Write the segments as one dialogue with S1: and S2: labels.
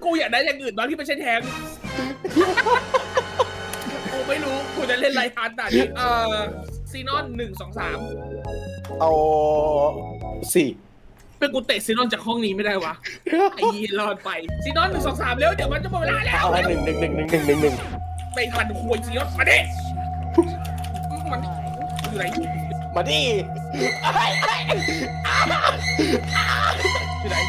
S1: กูอยากได้อย่างอื่นบ้างที่ไม่ใช่แทงกูไม่รู้กูจะเล่นไรทันแต่นี่ซีนอน1 2 3
S2: เอา4
S1: เป็นกูเตะซีนอนจากห้องนี้ไม่ได้วะไอ้ยีรอดไปซีนอน1 2 3เร็วเดี๋ยวมันจะหมดเวลาแล้ว
S2: เอา1 1 1 1 1 1 1
S1: ไม่ทันคุยซีนอนมาดิมันอยู่ไหน
S2: มาดิ
S1: อยู่ไหน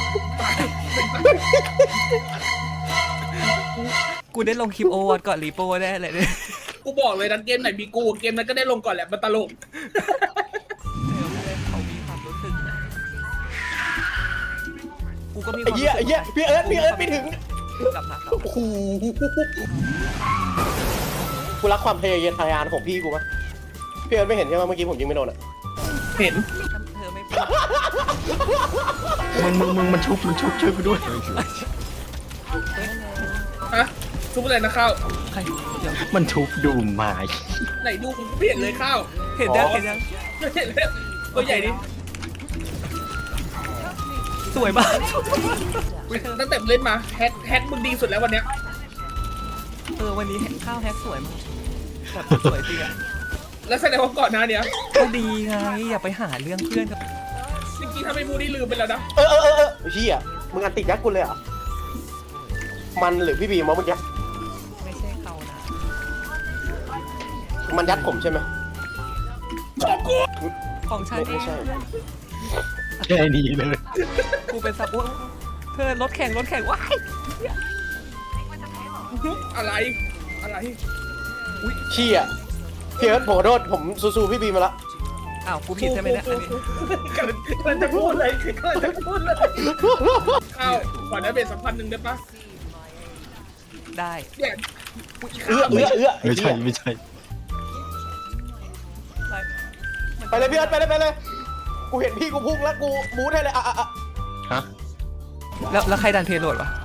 S3: กูได้ลงคลิปโอวอตก่อนรีโป้ได้เลยเนี่ย
S1: กูบอกเลยนะเกมไหนมีกูเกมนั้นก็ได้ลงก่อนแหละมันตลก
S3: เขามีความรู้สึกกูก็มีค
S2: ไอ้
S3: วาม
S2: เหี้ยไอ้เหี้ยพี่เอิร์ธไม่ถึง
S3: กลับมาครับ
S2: โอ้โหกูรักความทะเยอทะยานของพี่กูปะพี่เอิร์ธไม่เห็นใช่ไหมเมื่อกี้ผมยิงไม่โดนอ่ะ
S1: เห็น
S3: เธอไม่พูด
S4: มึงมันชุบช่วยกูด้วย
S1: ฮะทุกอะไรนะข้าว
S3: ใครเดี๋ยว
S4: มันชุบดูหมา
S1: ไหนดูกูเปลี่ยนเลยข้าว
S3: เห็นยังเห็นยัง
S1: เห็นแล้วตัวใหญ่ดิ
S3: สวยมาก
S1: ตั้งแต่เล่นมาแฮกมึงดีสุดแล้ววันเนี้ย
S3: วันนี้ข้าวแฮกสวยมากแบบสวยจริงอะ
S1: แล้วแสดงว่าก่อนหน้าเนี้ย
S3: ก็ดีไงอย่าไปหาเรื่องเพื่อนกับ
S1: จริงๆถ้าไม่พูดนี่ลืมไปแล้วนะ
S2: เฮียมึงอันติดยักษ์กูเลยเหรอ่ะมันหรือพี่บีมวะเมื่อกี้
S3: ไม่ใช่เขานะ
S2: มันยัดผมใช่ไหม
S3: ของฉันเอ
S2: ไม่
S3: ง
S2: ใช่
S4: แค่นี้เลย
S3: กูเป็นซับว่าเธอรถแข่งว้าย
S1: อะไรอุ้ย
S2: เชี่ยพี่เอิร์ธผมขอโทษผมซูพี่บีมาละ
S3: อ้าวกูผิดใช่ไหมเนี่ยอันนี้
S1: กำลังจะพูดเลยข้าวขอได้เป็นสัมพันธ์หนึ่งได้ปะ
S3: ได้
S1: เนี่ย
S4: ไม่ใช่
S2: ไปเลยพี่เอิร์ธไปเลยกูเห็นพี่กูพุ่งแล้วกูมูดให้เลยอ่ะ
S4: ฮะ
S3: แล้วใครดันเพลโหลดวะ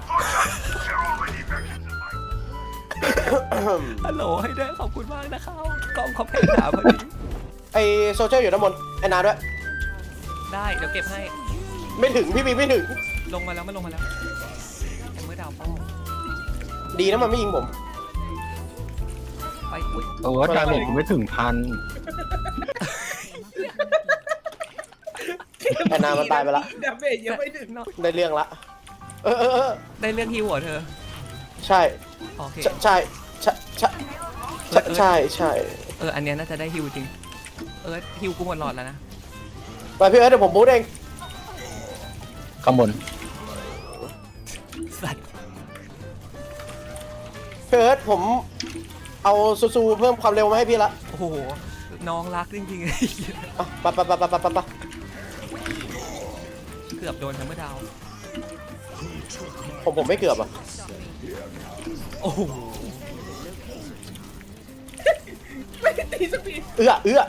S3: ฮัลโหลให้ด้วยขอบคุณมากนะเขากล้องเขาแพงหนาพอดี
S2: ไอโซเชียลอยู่ด้านบนไอนาด้วย
S3: ได้เดี๋ยวเก็บให้
S2: ไม่ถึงพี่บีไม่ถึง
S3: ลงมาแล้วมันลงมาแล้วไอ้เมื่อดาวเป้า
S2: ดีนะมันไม่ยิงผม
S3: ไปอุ้ย
S4: โอ้ดาเมจกูไม่ถึงพัน
S2: ไอนามันตายไปละ
S1: ดาเมจยังไม่ถึง
S2: ได้เรื่องละ
S3: ได้เรื่องฮิวเหรอเธอ
S2: ใช่
S3: โอเค
S2: ใช่
S3: อันเนี้ยน่าจะได้ฮิวจริงฮิวกูหมดหลอดแล้วนะ
S2: ไปพี่เอิร์ธเดี๋ยวผมบูทเอง
S4: ข้างบน
S3: สัตว์
S2: พี่เอิร์ธผมเอาซูเพิ่มความเร็วมาให้พี่ละ
S3: โอ้โหน้องรักจริงๆ
S2: ไป
S3: เกือบโดนทั้งเมื่อดาว
S2: ผมไม่เกือบอ่ะ
S3: โอ้โห
S1: ไม่ได้ตีสักที
S2: เอื้อ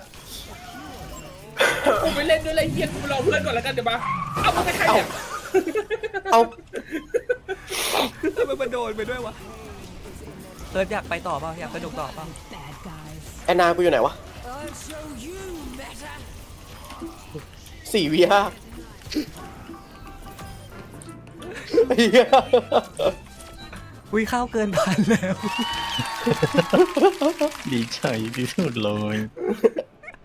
S1: กูไปเล่นด้วยไรเฮียกูรอเพื่อนก่อนแล้วกันเดี๋ยวมาเอาไปใครเนี่ย
S2: เอา
S3: ทำไมมันโดนไปด้วยวะอยากไปต่อเปล่าอยากสนุกต่อเปล่า
S2: แอนนากูอยู่ไหนวะ4 v 5
S3: อุ้ยข้าวเกินพันแล้ว
S4: ดีใจที่สุดเลย